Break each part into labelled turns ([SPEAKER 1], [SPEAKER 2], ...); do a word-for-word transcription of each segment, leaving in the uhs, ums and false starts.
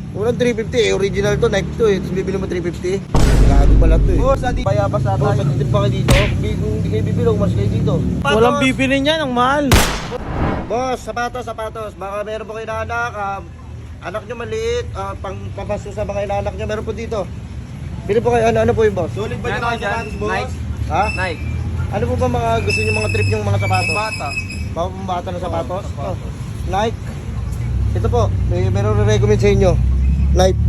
[SPEAKER 1] Unang three fifty eh, original to, Nike to eh. Tapos bibili mo three fifty. Gago pala to eh.
[SPEAKER 2] Boss, adi bayabas ata.
[SPEAKER 1] Oh, sa titip pa kayo dito. Bi- Kung hindi kayo bibili, mas kayo dito.
[SPEAKER 3] Walang bibili niyan, ang mahal.
[SPEAKER 1] Boss, sapatos, sapatos. Baka meron po kayo na anak, ah, anak nyo maliit, ah, pang papaso sa mga inaanak nyo, meron po dito. Bili po kayo, ano, ano po yung boss?
[SPEAKER 2] Sulit ba yung
[SPEAKER 3] Ano
[SPEAKER 2] mga
[SPEAKER 3] dyan?
[SPEAKER 2] sapatos, boss?
[SPEAKER 3] Nike.
[SPEAKER 1] Ha?
[SPEAKER 3] Nike.
[SPEAKER 1] Ano po ba mga gusto nyo mga trip yung mga sapatos?
[SPEAKER 2] Bata.
[SPEAKER 1] Mga pambata na sapatos?
[SPEAKER 2] Oo, sapatos.
[SPEAKER 1] Oh, Nike. Ito po, may meron re-recommend sa inyo. Nike.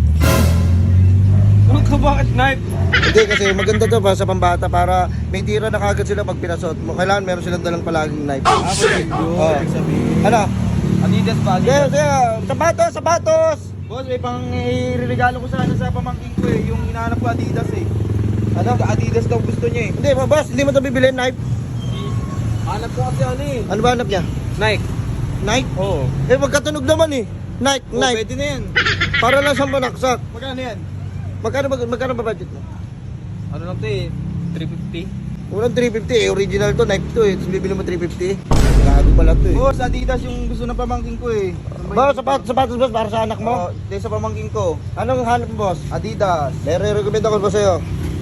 [SPEAKER 3] Ano ka, bakit Nike?
[SPEAKER 1] Hindi kasi maganda to pa sa pambata para may tira na kagad sila pag pinasot mo. Kailangan meron silang dalang palaging Nike.
[SPEAKER 2] Ah, sulit yun.
[SPEAKER 1] Oh.
[SPEAKER 2] Ibig sabihin.
[SPEAKER 1] Ano?
[SPEAKER 2] Adidas ba?
[SPEAKER 1] Kaya,
[SPEAKER 2] Adidas.
[SPEAKER 1] kaya, sapatos, sapatos!
[SPEAKER 2] Boss, may pang iririgalo ko sana sa pamangkin ko eh. Yung hinahanap ko Adidas eh. Ano? Adidas daw gusto niya eh.
[SPEAKER 1] Hindi, boss, hindi mo ito bibili, Nike.
[SPEAKER 2] Hanap ko kasi ano eh.
[SPEAKER 1] Ano ba hanap niya?
[SPEAKER 3] Nike.
[SPEAKER 1] Nike?
[SPEAKER 2] Oo.
[SPEAKER 1] Eh, magkatunog naman eh. Nike,
[SPEAKER 2] Oh,
[SPEAKER 1] Nike.
[SPEAKER 2] pwede na yan.
[SPEAKER 1] Para lang sa manaksak.
[SPEAKER 2] Magkano yan?
[SPEAKER 1] Magkano ba, magkano ba budget mo?
[SPEAKER 2] Ano lang to eh? three fifty?
[SPEAKER 1] Unang three fifty eh, original to, Nike to eh. Tapos bibili mo three fifty. Gago pala to eh.
[SPEAKER 2] Boss, Adidas yung gusto ng pamangkin ko eh.
[SPEAKER 1] Ba, sapatos, sapatos boss, para sa anak mo?
[SPEAKER 2] Oo, di sa pamangkin ko.
[SPEAKER 1] Anong hanap mo, boss?
[SPEAKER 2] Adidas.
[SPEAKER 1] May re-recommend ako ba sa'yo?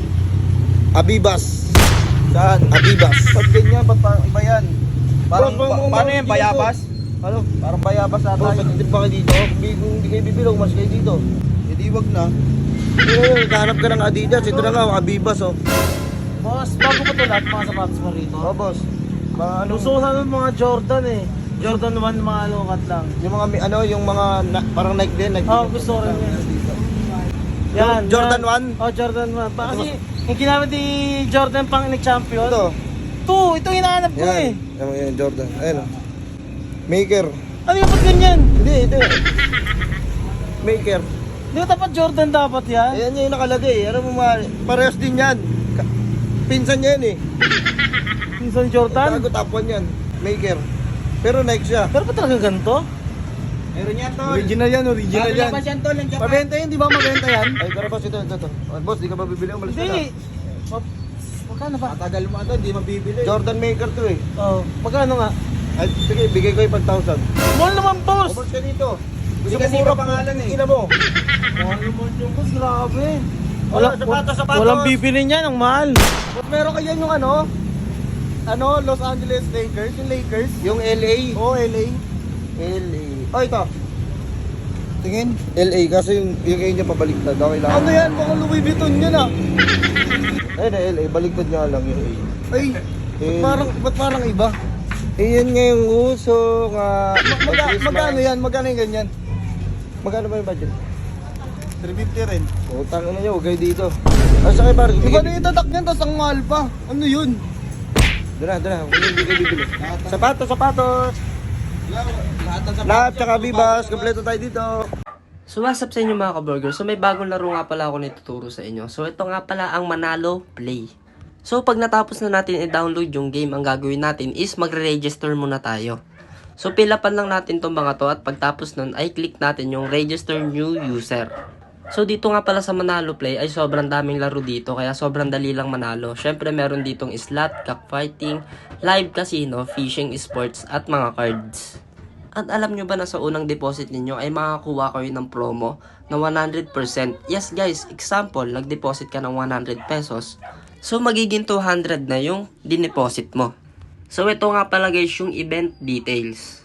[SPEAKER 1] Abibas.
[SPEAKER 2] Saan?
[SPEAKER 1] Abibas.
[SPEAKER 2] Ba't ganyan? Ba't parang iba yan? Parang,
[SPEAKER 1] Boss,
[SPEAKER 2] pa-
[SPEAKER 1] mga-
[SPEAKER 2] paano
[SPEAKER 1] mga
[SPEAKER 2] yan?
[SPEAKER 1] dito.
[SPEAKER 2] Bayabas?
[SPEAKER 1] Ano?
[SPEAKER 2] Parang bayabas ata
[SPEAKER 1] Boss,
[SPEAKER 2] yun.
[SPEAKER 1] matitip pa kayo dito. Kung di- kung hindi kayo bibili, mas kayo dito.
[SPEAKER 2] Hindi wag na.
[SPEAKER 1] Eh, kahanap ka ng Adidas. Ito na nga, Abibas oh.
[SPEAKER 3] Boss, bago pa to lahat mga sapatos mo rito.
[SPEAKER 1] Oh, boss. Mga ano,
[SPEAKER 3] Gusto ko sana ng mga Jordan eh. Jordan one, mga lukat lang.
[SPEAKER 1] yung mga, ano, yung mga, na, parang Nike din. Nike
[SPEAKER 3] Oo,
[SPEAKER 1] din.
[SPEAKER 3] gusto ko rin yan. Yan,
[SPEAKER 1] Jordan
[SPEAKER 3] yan.
[SPEAKER 1] one?
[SPEAKER 3] Oh, Jordan one. Pa, kasi yung ginamit ni Jordan pang nag-champion.
[SPEAKER 1] Ito.
[SPEAKER 3] Ito, ito hinahanap ko eh.
[SPEAKER 1] Yan. Yan, yan, Jordan. Ayun oh. Maker.
[SPEAKER 3] Ano yung ba't ganyan?
[SPEAKER 1] Hindi, ito. Maker.
[SPEAKER 3] Di ba dapat Jordan dapat yan?
[SPEAKER 1] Ayan yung nakalagay. Ano mo ma... Parehas din yan. Ka- Pinsan niya yan eh.
[SPEAKER 3] Minsan Jordan?
[SPEAKER 1] Tago top one yan. Maker. Pero Nike siya.
[SPEAKER 3] Pero ba talaga ganito?
[SPEAKER 2] Meron yan, tol.
[SPEAKER 1] Original yan, original yan.
[SPEAKER 2] Labas yan, tol. Ang Japan.
[SPEAKER 1] Mabenta yan, di ba mabenta yan? Ay, pero boss, ito, ito, ito. Oh, boss, di ka ba bibili? Umalis ka na.
[SPEAKER 3] Hindi. Ma- Magkano ba?
[SPEAKER 2] Matagal mo ito, hindi mabibili.
[SPEAKER 1] Jordan Maker to eh.
[SPEAKER 3] Oh, magkano nga?
[SPEAKER 1] Ay, sige, bigay ko yung pag thousand.
[SPEAKER 3] Mahal naman, boss!
[SPEAKER 1] Boss ka dito.
[SPEAKER 2] Hindi
[SPEAKER 1] Gusto
[SPEAKER 2] kasi
[SPEAKER 1] mo mura
[SPEAKER 2] iba pangalan eh.
[SPEAKER 1] Ina mo.
[SPEAKER 3] Mahal naman yung boss, grabe.
[SPEAKER 1] Wala, sapatos, sapatos.
[SPEAKER 3] Walang bibili niyan, ang mahal.
[SPEAKER 1] Boss, meron ka yan yung ano? Ano, Los Angeles Lakers? Yung Lakers? Yung L A.
[SPEAKER 2] Oo, L A.
[SPEAKER 1] L A. Oh, ito.
[SPEAKER 2] Tingin.
[SPEAKER 1] L A, kasi yung, yung A niya pabaliktad. Okay lang.
[SPEAKER 2] Ano yan? Baka Louis Vuitton yan ah.
[SPEAKER 1] Ayun na, L A. Baliktad nga lang yung A.
[SPEAKER 2] Ay, ba't
[SPEAKER 1] Eh,
[SPEAKER 2] parang, ba't parang iba?
[SPEAKER 1] Eh, yan nga yung uso nga.
[SPEAKER 2] Maga,
[SPEAKER 1] Christmas.
[SPEAKER 2] magkano yan? Magkano yung ganyan?
[SPEAKER 1] Magkano ba yung budget?
[SPEAKER 2] three fifty rin.
[SPEAKER 1] Utang na niyo, huwag kayo dito. Ay, sakay pare.
[SPEAKER 2] Iba na yung tatak niyan, tapos ang mahal pa. Ano yun?
[SPEAKER 1] Doon na, doon na. Huwag hindi kayo bibili. Sapatos, sapatos.
[SPEAKER 2] Lahat ng
[SPEAKER 1] Lahat, tsaka bibas. Kompleto tayo dito.
[SPEAKER 4] So what's up sa inyo mga ka-burger? So may bagong laro nga pala ako na ituturo sa inyo. So ito nga pala ang Manalo Play. So pag natapos na natin i-download yung game, ang gagawin natin is magre-register muna tayo. So pilapan lang natin tong mga to at pagtapos nun ay click natin yung register new user. So dito nga pala sa Manalo Play ay sobrang daming laro dito kaya sobrang dali lang manalo. Syempre meron ditong slot, cockfighting, live casino, fishing, sports at mga cards. At alam nyo ba na sa unang deposit ninyo ay makakuha kayo ng promo na one hundred percent? Yes guys, example, nag-deposit ka ng one hundred pesos. So magiging two hundred na yung dineposit mo. So ito nga pala guys yung event details.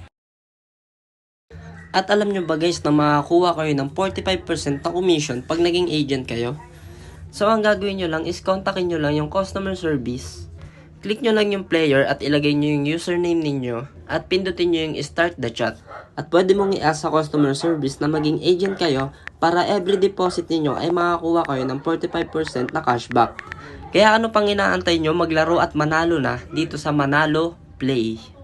[SPEAKER 4] At alam nyo ba guys na makakuha kayo ng forty-five percent na commission pag naging agent kayo? So ang gagawin nyo lang is kontakin nyo lang yung customer service. Click nyo lang yung player at ilagay nyo yung username ninyo at pindutin nyo yung start the chat. At pwede mong i-ask sa customer service na maging agent kayo para every deposit ninyo ay makakuha kayo ng forty-five percent na cashback. Kaya ano pang inaantay nyo, maglaro at manalo na dito sa Manalo Play.